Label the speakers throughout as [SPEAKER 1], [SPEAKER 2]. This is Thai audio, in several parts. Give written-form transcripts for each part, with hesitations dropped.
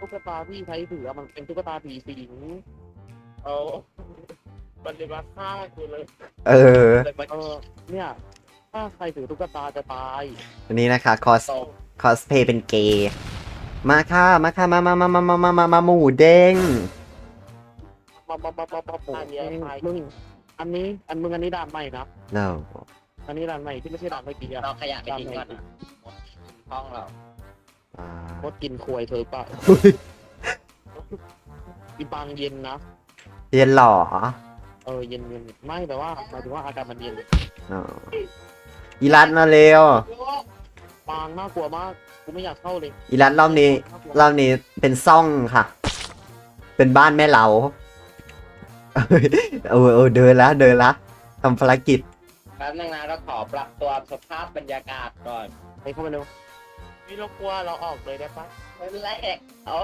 [SPEAKER 1] ตุ๊กตาที่ใช้ถือมันเป็นตุ๊กตาผีสิง
[SPEAKER 2] เอามันเลยมาฆ่ากูเลย
[SPEAKER 3] เออ
[SPEAKER 2] เลยมา
[SPEAKER 1] เนี่ยถ้าใครถือตุ๊กตาจะตาย
[SPEAKER 3] อันนี้นะคะคอสเพย์เป็นเกย์มาค่ะมาค่ะมาหมูเด้ง
[SPEAKER 1] อันนี้มึงอันนี้ด่านใหม่นะ
[SPEAKER 3] เรา
[SPEAKER 1] อันนี้ด่านใหม่ที่ไม่ใช่ด่านเมื่อกี้อะ
[SPEAKER 2] เราขยะไปทิ้งก่อนนะห้องเรา
[SPEAKER 1] มดกินควยเธอปะอีบางเย็นนะ
[SPEAKER 3] เรียนหล่อ
[SPEAKER 1] เย็นไม่แต่ว่าหมายถึงว่าอากาศมันเย็น
[SPEAKER 3] อ๋ออีรัตมาเร็ว
[SPEAKER 1] บางน่ากลัวมากกูไม่อยากเข้าเลย
[SPEAKER 3] อีรัตรอบนี้เป็นซ่องค่ะ เป็นบ้านแม่เหลาเดินละทำภารกิจ
[SPEAKER 2] แป๊บนึงนะเราขอปรับตัวสภาพบรรยากาศก่อน
[SPEAKER 1] ไปเข้ามาเร็วนี่เรากลัวเราออกเลยได้ปะ
[SPEAKER 2] ไม่เป็นไรเอา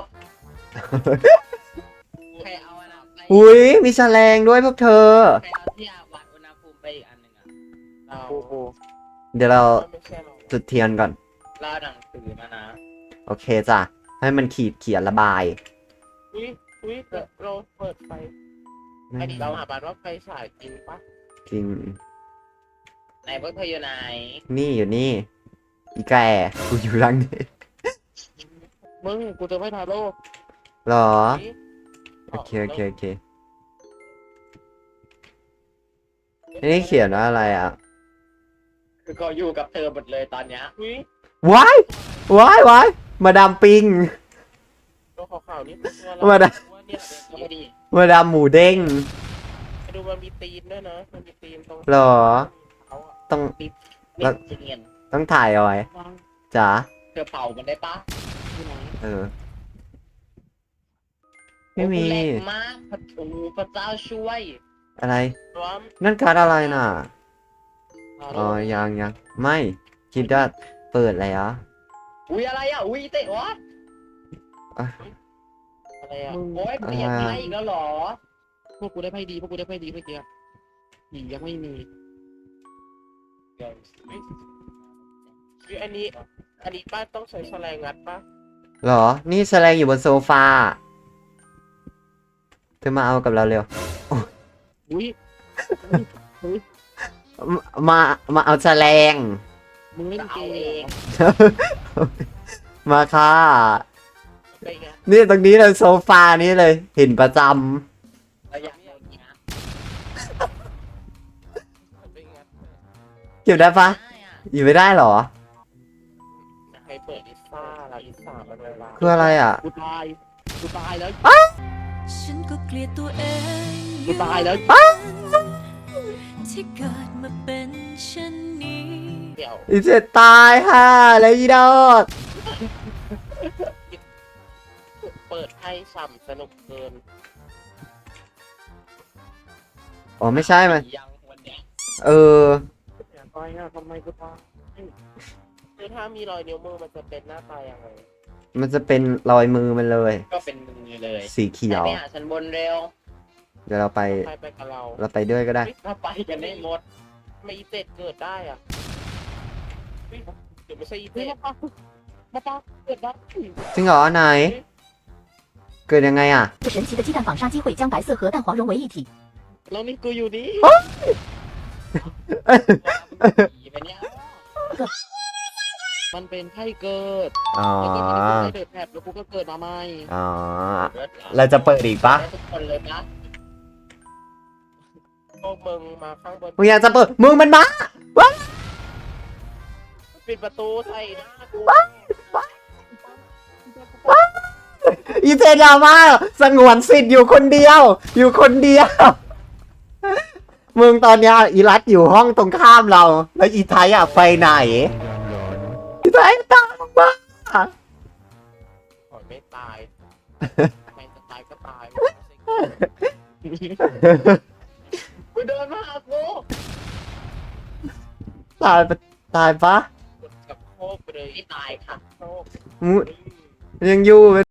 [SPEAKER 2] ใครเอาอันนั้นไป
[SPEAKER 3] อุ้ยมีแฉลงด้วยพวกเธอ
[SPEAKER 2] ใครเอาที่วัดอุณหภูมิไปอีกอันหนึ่งอ่ะ
[SPEAKER 1] โอ้โห
[SPEAKER 3] เดี๋ยวเรา
[SPEAKER 2] ไม่ใช่เรา
[SPEAKER 3] จุดเทียนก่อน
[SPEAKER 2] เล่าหนังสือมานะ
[SPEAKER 3] โอเคจ้ะ ให้มันเขียนระบาย
[SPEAKER 1] อุ้ยเราเปิดไฟอันนี้เราหาบานว่าไฟฉายจริงปะ
[SPEAKER 3] จริง
[SPEAKER 2] ไหนพวกเธออยู่ไหน
[SPEAKER 3] นี่อยู่นี่ อีแกกูอยู่หลังนี้
[SPEAKER 1] มึงกูจะไม่ทาโร่
[SPEAKER 3] หรอ โอเคนี่เขียนว่าอะไรอ่ะ
[SPEAKER 2] คือเขาอยู่กับเธอหมดเลยตอนเนี้ย
[SPEAKER 1] อุ้ย
[SPEAKER 3] ว้ายมาดามปิง
[SPEAKER 1] ตัวขาวๆนี่
[SPEAKER 3] มาดาม
[SPEAKER 1] เนี่ย
[SPEAKER 2] นี่ดิ
[SPEAKER 3] มาดามหมูเด้ง
[SPEAKER 1] ไปดูมันมีตีนด้วยนะมันมีตีนตรง
[SPEAKER 3] หรอ
[SPEAKER 1] เขาอะ
[SPEAKER 3] ต้อง
[SPEAKER 2] มิ
[SPEAKER 3] แล้ว
[SPEAKER 2] สเงียน
[SPEAKER 3] ต้องถ่ายเอาไว้
[SPEAKER 1] วาง
[SPEAKER 3] จ๋า
[SPEAKER 2] เธอเผามันได้ปะ
[SPEAKER 1] ที่ไหน
[SPEAKER 3] เออ ไม่มี
[SPEAKER 2] โอ้โหแรงมากพระเจ้าช่วย
[SPEAKER 3] อะไร
[SPEAKER 1] ร้อม
[SPEAKER 3] นั่นการ์ดอะไรน่ะ
[SPEAKER 1] ทา
[SPEAKER 3] อ๋
[SPEAKER 1] โร่
[SPEAKER 3] อ ยังไม่คิดว่าเปิดแล้ว
[SPEAKER 2] อุ้ยอะไรอ่ะอุ้ยเตะวะ
[SPEAKER 1] อะไรอะ
[SPEAKER 2] โอ้ยเปลี่ยนไพ่อีกแล้วเหรอ
[SPEAKER 1] พวกกูได้ไพ่ดีเมื่อกี้ผียังไม่มีคืออันนี้ป้าต้องใช้แฉลงงัดป้า
[SPEAKER 3] หรอ นี่แสดงอยู่บนโซฟา เธอมาเอากับเราเร็ว
[SPEAKER 1] อุ้ย
[SPEAKER 3] มาเอาแสลง
[SPEAKER 1] มึงเล่นเก
[SPEAKER 2] เอา
[SPEAKER 1] ม
[SPEAKER 2] เอง
[SPEAKER 3] มาค่ะ
[SPEAKER 1] ไปไง
[SPEAKER 3] นี่ตรงนี้เลยโซฟานี้เลย เห็นประจ
[SPEAKER 2] เราอยากโดนนะ
[SPEAKER 1] ไปไง
[SPEAKER 3] ำเก็บได้ปะ
[SPEAKER 2] ได้อ่ะ
[SPEAKER 3] อยู่ไม่ได้หรอ
[SPEAKER 1] ใครเปิดลิซ่าเราลิซ่ามันเวลา
[SPEAKER 3] คืออะไรอ่ะ
[SPEAKER 1] กูตายแล้ว
[SPEAKER 4] ฉันก็เกลียดตัวเอง
[SPEAKER 1] กูตายแล้ว
[SPEAKER 4] ที่เกิดมาเป็นเช่นนี้
[SPEAKER 1] เดี๋ยว
[SPEAKER 3] อีเจ็ดตายค่ะแล้วอีดอก
[SPEAKER 1] เปิดให้ฉ่ำสนุกเกิน
[SPEAKER 3] อ๋อไม่ใช่มัน
[SPEAKER 2] ยังวันเนี้ย
[SPEAKER 3] เออ
[SPEAKER 1] อย่าตายอ่ะทำไมกูตายคือถ้ามีรอยนิ้วมือมันจะเป็นหน้าตายังไง
[SPEAKER 3] มันจะเป็นรอยมือมันเลย
[SPEAKER 2] ก็เป็นมือเลย
[SPEAKER 3] สีเขียว
[SPEAKER 2] ไปหาฉันบนเร็ว
[SPEAKER 3] เดี๋ยวเราไป
[SPEAKER 1] ใครไปกับเรา
[SPEAKER 3] เราไปด้วยก็ได้
[SPEAKER 2] เราไปกันได้หมด
[SPEAKER 1] ไม่อีเต็ดเกิดได้อ่ะเฮ้ยเดี๋ยวไม่ใช่อีเต็ดมาปะเกิดได้
[SPEAKER 3] จริงเหรอไหน เกิดยังไงอ่ะ
[SPEAKER 5] 神奇的鸡蛋纺纱机会将白色和蛋黄融为一体。
[SPEAKER 1] แล้วนี่กูอยู่นี่
[SPEAKER 2] ผีไปเนี่ย
[SPEAKER 1] มันเป็นไข้เกิด
[SPEAKER 3] อ๋อ
[SPEAKER 1] แล้วก็มันเป็นไข้เดือดแผลบแล้วกูก็เกิดมาใหม่
[SPEAKER 3] อ๋อ เราจะเปิดอีกปะ
[SPEAKER 2] ได้ทุกคนเลยนะ
[SPEAKER 1] พวกมึงมาข้างบน
[SPEAKER 3] มึงอยากจะเปิดมึงมันมา
[SPEAKER 1] ปิดประตูใส่หน้ากู
[SPEAKER 3] อีเจดราม่าสงวนสิทธิ์อยู่คนเดียว มึงตอนเนี้ยอีรัตอยู่ห้องตรงข้ามเรา แล้วอีไทยอ่ะไปไหน อีไทยตามมา
[SPEAKER 1] ขอไม่ตายไม่จะตายก็ตายกูเดินมาหากู
[SPEAKER 3] ตายปะ
[SPEAKER 1] กับโคกไปเลย
[SPEAKER 2] ไม่ตายค่ะ
[SPEAKER 1] โคก
[SPEAKER 3] มึงยังอยู่ไหม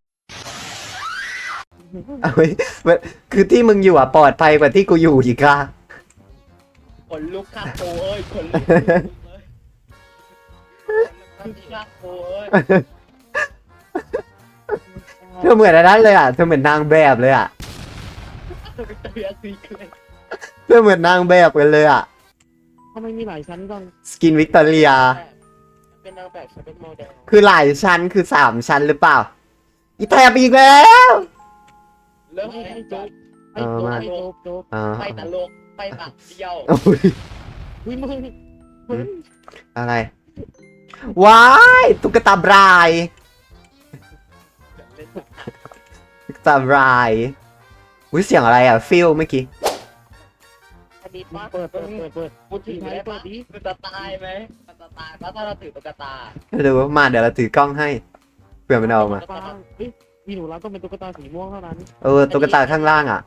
[SPEAKER 3] เอาไว้คือที่มึงอยู่อ่ะปลอดภัยกว่าที่กูอยู่อีกค่ะ
[SPEAKER 2] ขนลุกค่ะโอ้ยขนลุกเลยขนลุกค่ะโอ้ย
[SPEAKER 3] เธอเหมือนอันนั้นเลยอ่ะเธอเหมือนนางแบบเลยอ่ะ
[SPEAKER 2] เรียกซีเครต
[SPEAKER 3] เธอเหมือนนางแบบกันเลยอ่ะ
[SPEAKER 1] ทำไมมีหลายชั้นจัง
[SPEAKER 3] สกินวิกตอเรีย
[SPEAKER 1] เป็นนางแบบฉันเป็นโมเดล
[SPEAKER 3] คือหลายชั้นคือ3 ชั้นหรือเปล่า อีแทบอีกแล้ว
[SPEAKER 2] เริ่ม
[SPEAKER 1] ให้
[SPEAKER 2] ให้
[SPEAKER 1] ให้
[SPEAKER 2] จ
[SPEAKER 1] โจ๊
[SPEAKER 2] บ
[SPEAKER 1] กให้โจ๊กให้โจ๊กโจ๊ก
[SPEAKER 3] อ่า
[SPEAKER 2] ไปตลกไปปากเดียว
[SPEAKER 3] โอ้ย
[SPEAKER 1] เฮ้ยมึง
[SPEAKER 3] อะไร ว้ายตุ๊กตาบรายตุ๊กตาบรายอุ้ยเสียงอะไรอ่ะฟิลเมื่อกี้
[SPEAKER 1] อันนี้ปะเปิด
[SPEAKER 2] พูดถึงได้ปะมันจะตายไหมมันจะตายปะถ้าเราถือตุ๊กตา
[SPEAKER 3] เดี๋ยวมาเดี๋ยวเราถือกล้องให้เผื่อมันเอามา
[SPEAKER 1] เฮ้ยมีหนูรักต้องเป็นตุ๊กตาสีม่วงเท่านั้น
[SPEAKER 3] ตุ๊กตาข้างล่างอ่ะ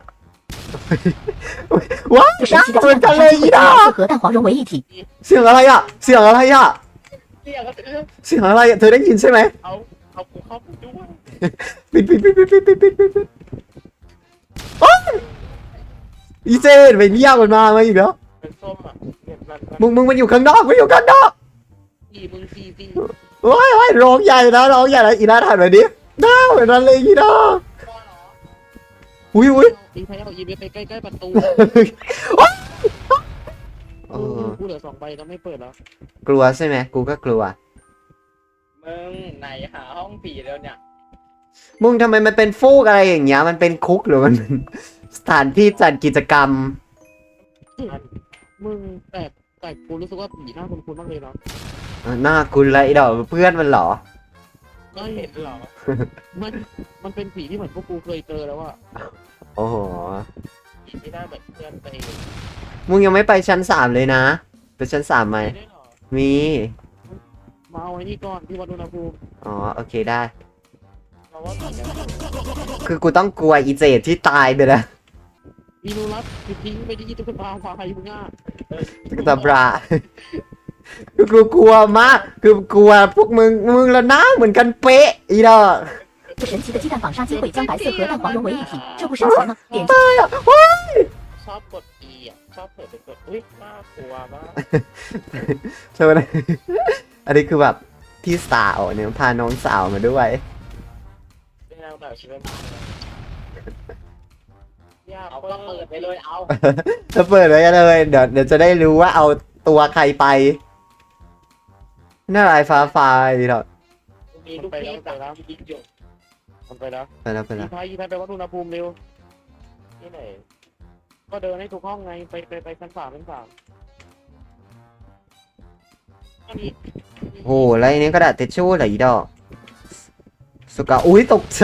[SPEAKER 3] ว้าว
[SPEAKER 5] 是神奇的
[SPEAKER 3] เหมือน
[SPEAKER 5] 鸡
[SPEAKER 3] กัน
[SPEAKER 5] 蛋
[SPEAKER 3] เลย
[SPEAKER 5] 纺
[SPEAKER 3] อี
[SPEAKER 5] 纱
[SPEAKER 3] ดา
[SPEAKER 5] 机会将白色和蛋黄融为一体。
[SPEAKER 3] เสียงอะไรอ่ะ เสียงอะไรอ่ะ
[SPEAKER 2] เรียกก็คือ
[SPEAKER 3] เสียงอะไรอ่ะ เธอได้ยินใช่ไหม
[SPEAKER 1] เอากูเข้าไปด้วย
[SPEAKER 3] ปิดโอ๊ยอีเจนไปเรียกมันมาอีกแล้ว
[SPEAKER 1] เป็นส้มอ่ะเนี่ยนั่น
[SPEAKER 3] มึงมันอยู่ข้างนอกมันอยู่ข้างนอก
[SPEAKER 1] ตีมึงตี
[SPEAKER 3] โอ้ยร้องใหญ่นะร้องใหญ่นะอีน่าถ่ายหน่อยดิน่าเหมือนนั้นเลยอีน่าอุ้ย
[SPEAKER 1] ตีไทยเอาอีเวนไปใกล้ๆประตู กูเหลือ2 ใบแล้วไม่เปิดแล้ว
[SPEAKER 3] กลัวใช่ไหมกูก็กลัว
[SPEAKER 2] มึงไหนหาห้องผีแล้วเนี่ย
[SPEAKER 3] มึงทำไมมันเป็นฟูกอะไรอย่างเงี้ยมันเป็นคุกหรือมันเป็นสถานที่จัดกิจกรรม
[SPEAKER 1] มึงแต่กูรู้สึกว่าผีหน้าคุ้นๆมากเลยเนาะ
[SPEAKER 3] หน้าคุณไรดอกเพื่อนมันเหรอ
[SPEAKER 1] ไม่เห็นหรอมันเป็นผีที่เหมือนพวกกูเคยเจอแล้วอะ
[SPEAKER 3] โอ้โห
[SPEAKER 1] ผีที่หน้าเหมือนเพื่อนไป
[SPEAKER 3] มึงยังไม่ไปชั้น3เลยนะไปชั้น3ไหม
[SPEAKER 1] ได้หรอ
[SPEAKER 3] มี
[SPEAKER 1] มาเอาไว้นี่ก่อนที่วัดอุณหภูมิ
[SPEAKER 3] อ๋อโอเคได้
[SPEAKER 1] เราว่าผีกัน
[SPEAKER 3] คือกูต้องกลัวอีเจดที่ตายไปแล้ว
[SPEAKER 1] อีนูรัสคือทิ้งไปที่ตุ๊กตาควายมึงอ่ะ
[SPEAKER 3] ตุ๊กตาบรา คือกูกลัวมากคือกลัวพวกมึงแล้วหน้าเหมือนกันเป๊ะอีดอก
[SPEAKER 5] 这神奇的鸡蛋纺纱机会将白色和蛋黄融为一体，这不神奇吗？点击
[SPEAKER 1] ชอบกด E อ่ะชอบเปิดไปกดอุ้ยน่ากลัวมาก
[SPEAKER 3] ใช่ไหม อันนี้คือแบบพี่สาวเนี่ยพาน้องสาวมาด้วย
[SPEAKER 1] เป็นนางแบบชีวิตยาก
[SPEAKER 2] เอาก็เปิดไปเลยเอา
[SPEAKER 3] จะเปิดไว้กันเลยเดี๋ยวจะได้รู้ว่าเอาตัวใครไปน่าไรฟ้าไฟหรอก
[SPEAKER 2] มีลูกพี่ตักยิงอยู่
[SPEAKER 1] มันไปแล้ว
[SPEAKER 3] ไปแล้ว
[SPEAKER 1] อีไทยไปวัดอุณหภูมิเร็วที่ไหนก็เดินให้ถูกห้องไงไปชั้น3อันนี้
[SPEAKER 3] โอ้แล้วอันนี้กระดาษทิชชู่เหรออีดอกสุกาอุ้ยตกใจ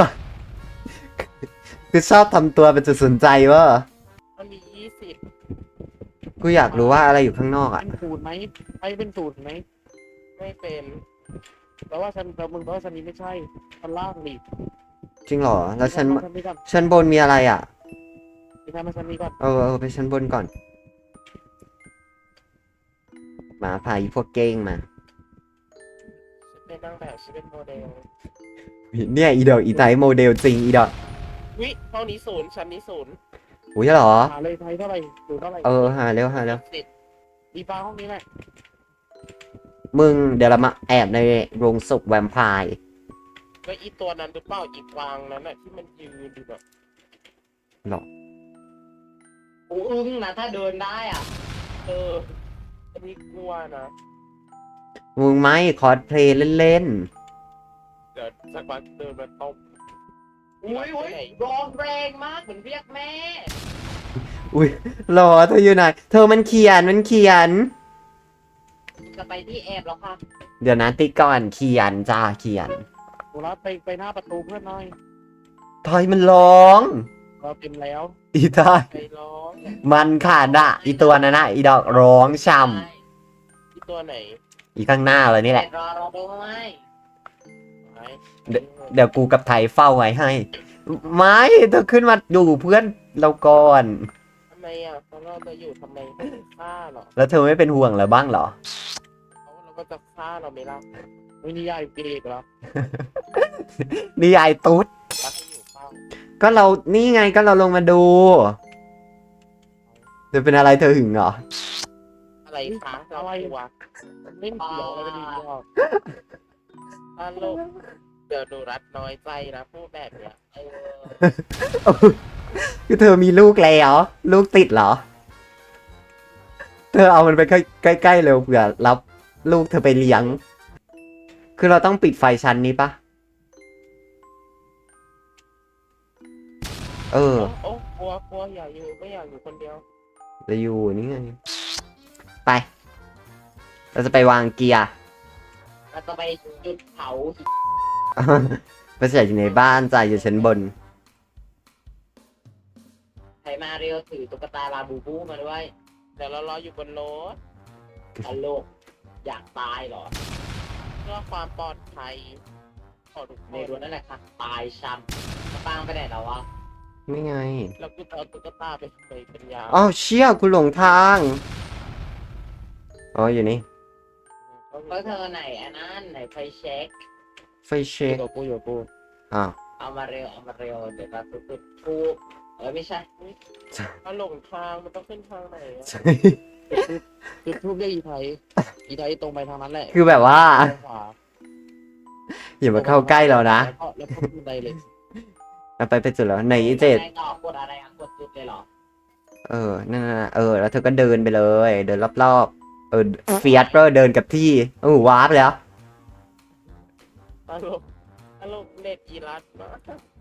[SPEAKER 3] คือชอบทำตัวเป็นจุดสนใจวะ
[SPEAKER 1] มันมี20
[SPEAKER 3] กูอยากรู้ว่าอะไรอยู่ข้างนอกอ่ะ
[SPEAKER 1] เป็นศูนย์ไหมไอ้เป็นศูนย์ไหมไม่เป็นแต่ว่าฉันแต่มึงแต่ว่าฉันนี้ไม่ใช่ชั้นล่างดิ
[SPEAKER 3] จริงเหรอแล้วชั้น
[SPEAKER 1] นี้ก่อน
[SPEAKER 3] ชั้นบนมีอะไรอ่ะ
[SPEAKER 1] ไปทำมาชั้นนี้ก่อน
[SPEAKER 3] ไปชั้นบนก่อนมาพาอีพวกเก้งมา
[SPEAKER 1] เป็นนางแบบฉันเป็นโมเดล
[SPEAKER 3] เนี่ยอีดอกอีไทยโมเดลจริงอีดอก
[SPEAKER 1] วิห้องนี้ศูนย์ชั้นนี้ศูนย์
[SPEAKER 3] อุ้ยเหรอ
[SPEAKER 1] หาเลยไทยเท่าไหร่ศูนย์เท่าไหร่
[SPEAKER 3] หาเร็ว
[SPEAKER 1] สิบอีฟ้าห้องนี้แหละ
[SPEAKER 3] มึงเดี๋ยวเรามาแอบในโรงศพแวมไพร์
[SPEAKER 1] ก็อีตัวนั้นหรือเปล่าอีกวางนั้นน่ะที่มันยืนอยู่แบบ
[SPEAKER 2] กูอึ้งนะถ้าเดินได้อ่ะ
[SPEAKER 1] อันนี้กลัวนะ
[SPEAKER 3] มึงไม่คอสเพลย์เล่น
[SPEAKER 1] เดี๋ยวสักวันเดินมาตบ
[SPEAKER 2] อุ้ยร้องแรงมากเหมือนเรียกแม่
[SPEAKER 3] ๆอุ้ยรอเธออยู่ไหนเธอมันเขียน
[SPEAKER 2] จะไปที่แอบแล้วค่ะ
[SPEAKER 3] เดี๋ยวนะติ๊กก่อนเขียนจ้าเขียน
[SPEAKER 1] หนูรับไปหน้าประตูเพื่อนหน่อย
[SPEAKER 3] ทอยมันร้อง
[SPEAKER 1] เราเต็มแล้ว
[SPEAKER 3] อีทอย
[SPEAKER 1] ไปร้อง
[SPEAKER 3] มันขาดอะอีตัวนั้นอะอีดอกร้องช่
[SPEAKER 1] อีตัวไหน
[SPEAKER 3] ำอีข้างหน้าเลยนี่แหละ
[SPEAKER 2] รอเราด้วย
[SPEAKER 1] ไหน
[SPEAKER 3] เดี๋ยวกูกับไทยเฝ้าไว้ให้ ไม่เธอขึ้นมาดูเพื่อนเราก่อน
[SPEAKER 1] ทำไมอ่ะเพราะเราจะอยู่ทำไมไม่ฆ่าหรอ
[SPEAKER 3] แล้วเธอไม่เป็นห่วงเหรอบ้างเหรอ
[SPEAKER 1] เราก็จะฆ่าเราไม่รับไม่นิยายเกย์เหรอ
[SPEAKER 3] นี่ยายตุ๊ด
[SPEAKER 1] รักให้อยู่เฝ้า
[SPEAKER 3] ก็เรานี่ไงก็เราลงมาดูเธอเป็นอะไรเธอหึงเหรอ
[SPEAKER 1] อะไรคะอะไรวะเล่นเกี่ยวอะไรกันดีกว่าตลกเดี๋ยวหนูรัดน้อยใจนะพูดแบบเนี้ย
[SPEAKER 3] คือเธอมีลูกแล้วลูกติดเหรอ เธอเอามันไปใกล้ๆเร็วเผื่อรับลูกเธอไปเลี้ยง คือเราต้องปิดไฟชั้นนี้ปะเออ
[SPEAKER 1] โอ้กลัวอย่าอยู่ไม่อยากอยู่คนเดียว
[SPEAKER 3] จะอยู่นี่ไง ไป เราจะไปวางเกียร์
[SPEAKER 2] เราจะไปจุดเผา
[SPEAKER 3] ไม่ใช่อยู่ในบ้านจ่ายอยู่ชั้นบน
[SPEAKER 2] ใครมาเร็วถือตุ๊กตาลาบูบูมาด้วย
[SPEAKER 1] เดี๋ยวเรารออยู่บนรถ
[SPEAKER 2] ตลกอยากตายเหรอ
[SPEAKER 1] เพื่อความปลอดภัยของทุกค
[SPEAKER 2] ใน
[SPEAKER 1] น
[SPEAKER 2] รถนั่นแหละค่ะตายช้ำมาปังไปไหนแล้ววะ
[SPEAKER 3] ไม่ไง
[SPEAKER 1] แล้วกูจะเอาตุ๊กตาไปเป็นยา
[SPEAKER 3] อ้าวเชี่ยกูหลงทาง อ๋ออยู่นี่
[SPEAKER 2] ก็เธอไหนอันนั้นไหนไฟเช็ค
[SPEAKER 3] ไฟเช็ค
[SPEAKER 1] อยู่กู
[SPEAKER 3] อ้าว
[SPEAKER 2] เอามาเร็วเดี๋ยวเราจุดทูบไม่ใช่
[SPEAKER 1] ถ้าหลงทางมันต้องขึ้นทางไหนอะจุดทูบเรียกอีไทยตรงไปทางนั้นแหละ
[SPEAKER 3] คือแบบว่า
[SPEAKER 1] ขวา
[SPEAKER 3] อย่ามาเข้าใกล้เรานะ
[SPEAKER 1] แล้วก็บันไดเลย
[SPEAKER 3] เราไปจุดแล้วไหนเจ็ด
[SPEAKER 2] ต่อกดอะไรกดจุดเลยเหรอ
[SPEAKER 3] เออ นั่นน่ะแล้วเธอก็เดินไปเลย เดินรอบๆ เฟียสก็เดินกับที่วาร์ปแล้ว
[SPEAKER 1] ตลกเน็ตอีรัสมาก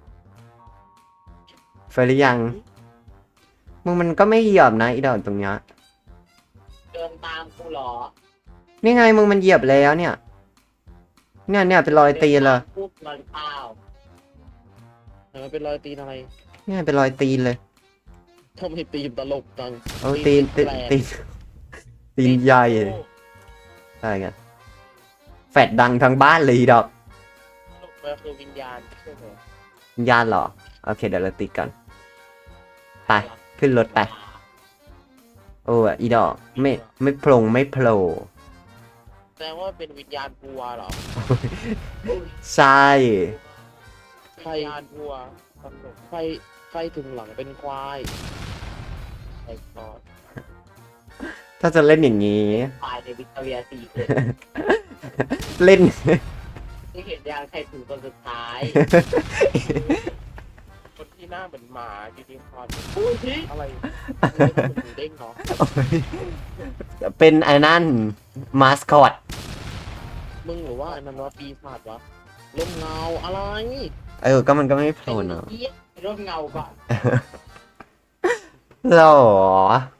[SPEAKER 3] ไฟหรือยัง มึงมันก็ไม่เหยียบนะอีดอกตรงเนี้ย
[SPEAKER 2] เดินตามกูเหรอ
[SPEAKER 3] นี่ไงมึงมันเหยียบแล้วเนี่ย เนี่ยเป็นรอยตีนเลย
[SPEAKER 2] พูดมันเปล่า
[SPEAKER 1] มันเป็นรอยตีนอะไร
[SPEAKER 3] เนี่ยเป็นรอยตีนเลย
[SPEAKER 1] ทำไมตีนตลกจัง
[SPEAKER 3] ตีน
[SPEAKER 1] แปลก
[SPEAKER 3] ตีนใหญ่อะไรกันแฟดดังทั้งบ้านเลยอีดอก
[SPEAKER 1] ตลกมันคือวิญญาณใช่ไหม
[SPEAKER 3] วิญญาณเหรอ โอเคเดี๋ยวเราติดก่อน ไป ขึ้นรถไป โอ้อีดอกไม่โผล่ไม่โผล่
[SPEAKER 1] แสดงว่าเป็นวิญญาณวัวเหรอ
[SPEAKER 3] ใช่
[SPEAKER 1] วิญญาณวัวตลกไฟถึงหลังเป็นควายไอ้กอด
[SPEAKER 3] ถ้าจะเล่นอย่างนี้
[SPEAKER 2] ตายในวิกตอเรียซีเค
[SPEAKER 3] เล่น
[SPEAKER 2] ที่เห็นยางใครถูกคนสุดท้าย
[SPEAKER 1] คนที่หน้าเหมือนหมายูนิคอร์น
[SPEAKER 2] พูดที่
[SPEAKER 1] อะไรเด้งเนาะ
[SPEAKER 3] เป็นไอ้นั่นมาสคอต
[SPEAKER 1] มึงหรือว่าอันนั้นว่าปีศาจวะลมเงาอะไร
[SPEAKER 3] ก็มันก็ไม่โผล่เนอะ
[SPEAKER 2] ร่มเงาก่อน
[SPEAKER 3] หรอ